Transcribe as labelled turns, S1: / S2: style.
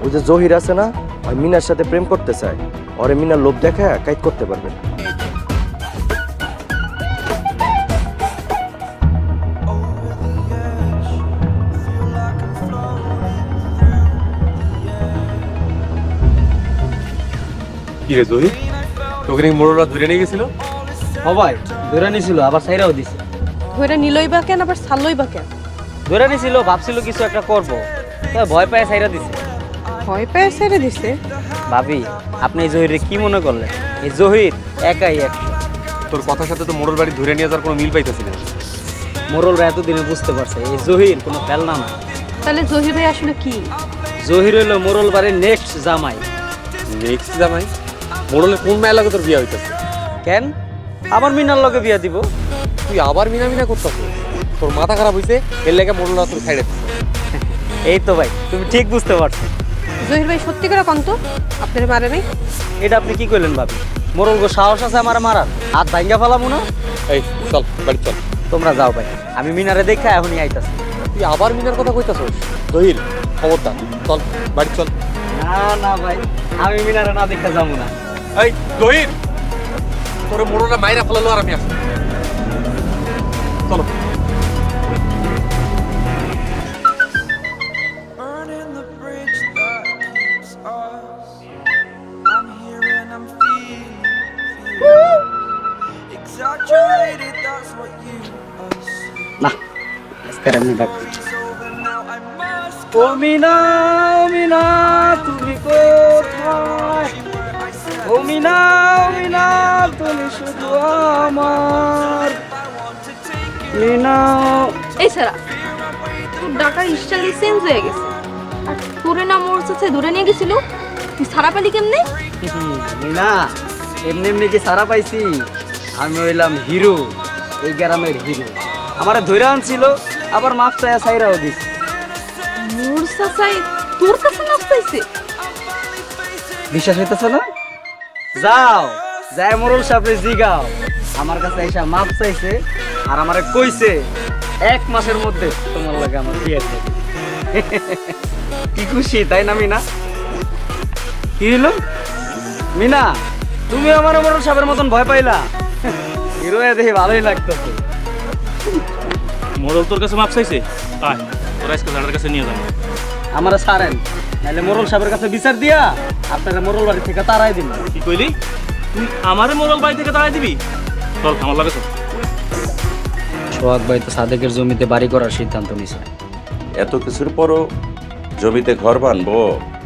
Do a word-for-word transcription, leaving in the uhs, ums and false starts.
S1: ওই যে জহির আছে না, ওই মিনার সাথে প্রেম করতে চায়, ওরে মিনার লোভ দেখা কাইট করতে পারবেন।
S2: কি রে জহির, তোকে নাকি মোড়লরা ধরে নিয়ে গেছিল?
S3: সবাই ধরে নিছিল, আবার সাইরাও দিছে।
S4: ধরে নিলই বা কেন, আবার ছাড়লই বা কেন?
S3: ধরে নিছিল, ভাবছিল কিছু একটা করবো, তবে ভয় পায় সাইরা দিছে।
S4: ভয় পেয়ে ছেড়ে দিছে?
S3: ভাবি, আপনি এই জহিরে কি মনে করলেন? এই জহির একাই এক।
S2: তোর কথার সাথে তো মোড়ল বাড়ি ধরে নিয়ে যাওয়ার কোনো মিল পাইতেছি না।
S3: মোরলরা এতদিনে বুঝতে পারছে এই জহির কোনো ফেলনা না।
S4: তাহলে জহির ভাই আসলে কি?
S3: জহির হইলো মোরল বাড়ির নেক্সট জামাই।
S2: নেক্সট জামাই? মোড়লের কোন মায়ের লাগে তোর বিয়ে হইতেছে?
S3: কেন আবার মিনার লগে বিয়া দিব?
S2: তুই আবার মিনা মিনা করতেছ? তোর মাথা খারাপ হইছে, এর লেগে মোড়লরা তোর সাইডে।
S3: এই তো ভাই, তুমি ঠিক বুঝতে পারছো।
S4: জহির ভাই সত্যি করে কন্ত আপনার মারে নাই?
S3: এটা আপনি কি কইলেন ভাবি? মোরল গো সাহস আছে আমার মারার? হাত ভাঙ্গা ফেলামু না।
S2: এই চল বাড়ি চল।
S3: তোমরা যাও ভাই, আমি মিনারে দেখা এখনই আইতাছি।
S2: তুই আবার মিনার কথা কইতাছস? জহির খবরদার, চল বাড়ি চল।
S3: না না ভাই, আমি মিনারে না দেখা যাবো না।
S2: এই জহির, তোর মোড়লরা মাইরা ফেলালো আর আমি আসি। চলো।
S5: Burning the bridge that keeps us. I'm here and I'm feeling, feeling exaggerated. That's what you assume.
S3: না আজকে আমি ডাক।
S5: It's over now. I must
S3: ও মিনা, ও মিনা তুমি কোথায়?
S5: where I said
S3: ও মিনা, ও মিনা তুমি শুধু আমার
S5: I want to take it.
S3: Mina.
S6: এই সারা, তোর ডাকার স্টাইল চেঞ্জ হয়ে গেছে। আর তোরে না মোর সাথে ধরে নিয়ে গেছিল, তুই সারা পালি কেমনে?
S3: মিনা, এমনি এমনি কি সারা পাইছি? আমি হইলাম হিরো, এই গ্রামের হিরো। আমার ধরে আনছিল, আবার মাফ চাইয়া সাইরাও দিছে।
S6: মোর সাসাই তোর কাছে নাচ চাইছে?
S3: বিশ্বাস হইতেছে না? যাও যাই মোরল সাহেবরে জিগাও, আমার কাছে এসে মাপ চাইছে আর আমারে কইছে এক মাসের মধ্যে তোমার লাগে আমার বিয়ে হবে। কি খুশি তাই না মিনা? কি হলো মিনা, তুমি আমার মোরল সাহেবের মতন ভয় পাইলা? হিরো দেখে ভালোই লাগতেছে।
S7: মোড়ল তোর কাছে মাপ চাইছে? আয় তোর আজকে দাদার কাছে নিয়ে যাবো।
S3: আমারে ছাড়েন, নাহলে মোরল সাহেবের কাছে বিচার দিয়া আপনারা মোরল বাড়ি থেকে তাড়াই দিন।
S7: কি কইলি? তুই আমারে মোড়ল বাড়ি থেকে তাড়াই দিবি? চল আমার লাগে চল।
S3: সোহাগ ভাই তো সাদেকের জমিতে বাড়ি করার সিদ্ধান্ত নিছে।
S8: এত কিছুর পরও জমিতে ঘর বানবো?